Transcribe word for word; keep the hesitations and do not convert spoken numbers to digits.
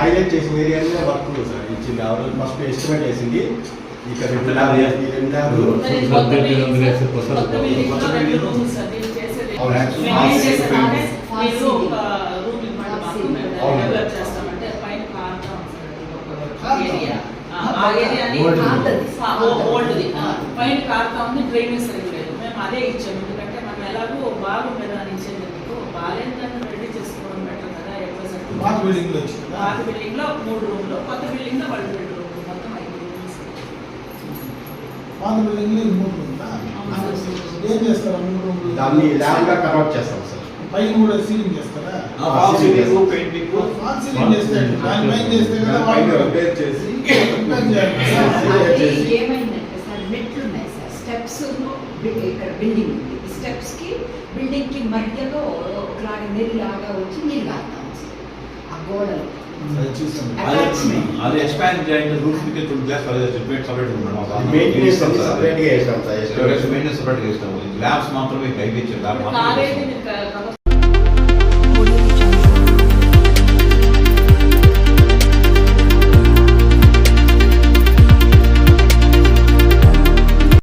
Highlight చేసిన ఏరియాలో work sir ఇచ్చింది ఆ రోజు ఫస్ట్ ఎస్టిమేట్ వేసింది ఇక్కడ రెండు ల్యాబ్ ఈ రెండు ల్యాబ్ పైన కారుతా ఉంది డ్రైనేజ్ సరిగ్గా లేదు. మేము అదే ఇచ్చాము ఎందుకంటే మనం ఎలాగో బాగుండదు అని ఇచ్చేందుకు బాగాలేదు దాన్ని రెడీ చేసుకోవడం బెటర్ కదా. పాత బిల్డింగ్ లో పాత బిల్డింగ్ లో మూడు రూమ్లు, కొత్త బిల్డింగ్ లో వాళ్ళు రెండు రూమ్లు, మొత్తం ఐదు రూమ్స్. పాత బిల్డింగ్ లో మూడు రూమ్లా ఏం చేస్తారు? మూడు రూమ్లు దాన్ని ల్యాబ్ గా కన్వర్ట్ చేస్తాం సార్. పైన కూడా సీలింగ్ చేస్తారా? Fall ceiling painting fall ceiling చేస్తే దాని పైన చేస్తే కదా పైన రిపేర్ చేసి ఏమైందంటే సార్ మెట్లు ఉన్నాయి సార్, స్టెప్స్ ఇక్కడ బిల్డింగ్ ఉంది, స్టెప్స్ కి బిల్డింగ్ కి మధ్యలో ఒకలాగా నీళ్ళలాగా వచ్చి నీళ్ళు కాస్తాం ఆ గోడలు అది ఎక్స్పాండ్ చేయండి రూఫ్ కి టు గ్లాస్ సెపరేట్ సెపరేట్ ఉన్నాడు మెయింటెనెన్స్ సెపరేట్ గా చేస్తాం సార్. మెయింటెనెన్స్ సెపరేట్ చేస్తాం. ల్యాబ్స్ మాత్రమే కైపించారు. కాలేజీ